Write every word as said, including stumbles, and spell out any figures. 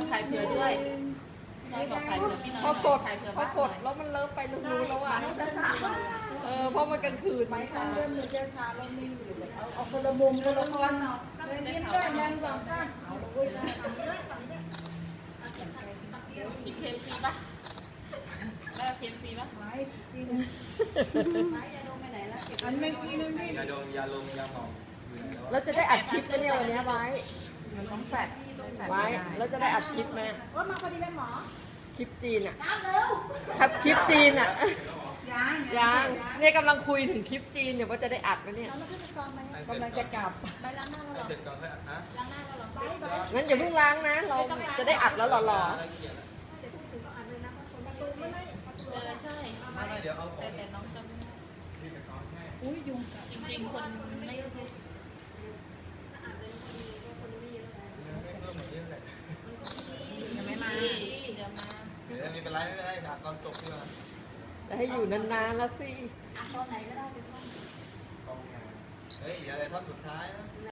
ถ่ายเผื่อด้วยน้อยบอกถ่ายเผื่อพี่น้อยพอกดถ่ายเผื่อพอกดแล้วมันเลิฟไปรู้แล้วอ่ะเออเพราะมันกลางคืนไปข้างเริ่มมือจะชาแล้วนิ่งอยู่เลยเอาเอาคนละมุมคนละคนเนาะเลยยิ้มด้วยยังสองข้างเอาเลยกินเคฟซีป่ะได้เคฟซีป่ะไม้จริงไม่ยาดมไปไหนแล้วอันไม่กินนึงนี่ยาดมยาลมยาหมองแล้วจะได้อัดคลิปไหมเนี่ยวันนี้ไว้มันต้องแฟดแฟดไว้แล้วจะได้อัดคลิปไหมว่ามาพอดีเลยหมอคลิปจีนอ่ะน้ำเร็วครับคลิปจีนอ่ะยังยังเนี่ยกำลังคุยถึงคลิปจีนเดี๋ยวว่าจะได้อัดไหมเนี่ยแล้วมันขึ้นไปซ้อมไหมกำลังจะกลับไปล้างหน้าแล้วหรอเสร็จก่อนค่อยอัดนะล้างหน้าแล้วหรอไปไปงั้นอย่าเพิ่งล้างนะ เราจะได้อัดแล้วหล่อเขียนเดี๋ยวพูดถึงก็อ่านเลยนะประตูไม่ได้ประตูเออใช่ไม่ไม่เดี๋ยวเอาขอแต่งแต่น้องจำไม่ได้ที่ไปซ้อนให้อุ้ยยุงกัดจริงๆคนไม่เพิ่มเหมือนนี้แหละยังไม่มาเดี๋ยวมาเดี๋ยวมีเป็นไรไม่เป็นไรถามตอนจบดีกว่าๆจะให้อยู่นานๆแล้วสิอ่ะตอนไหนก็ได้เป็นต้นกองงานเฮ้ยอย่าอะไรท่อนสุดท้ายนะ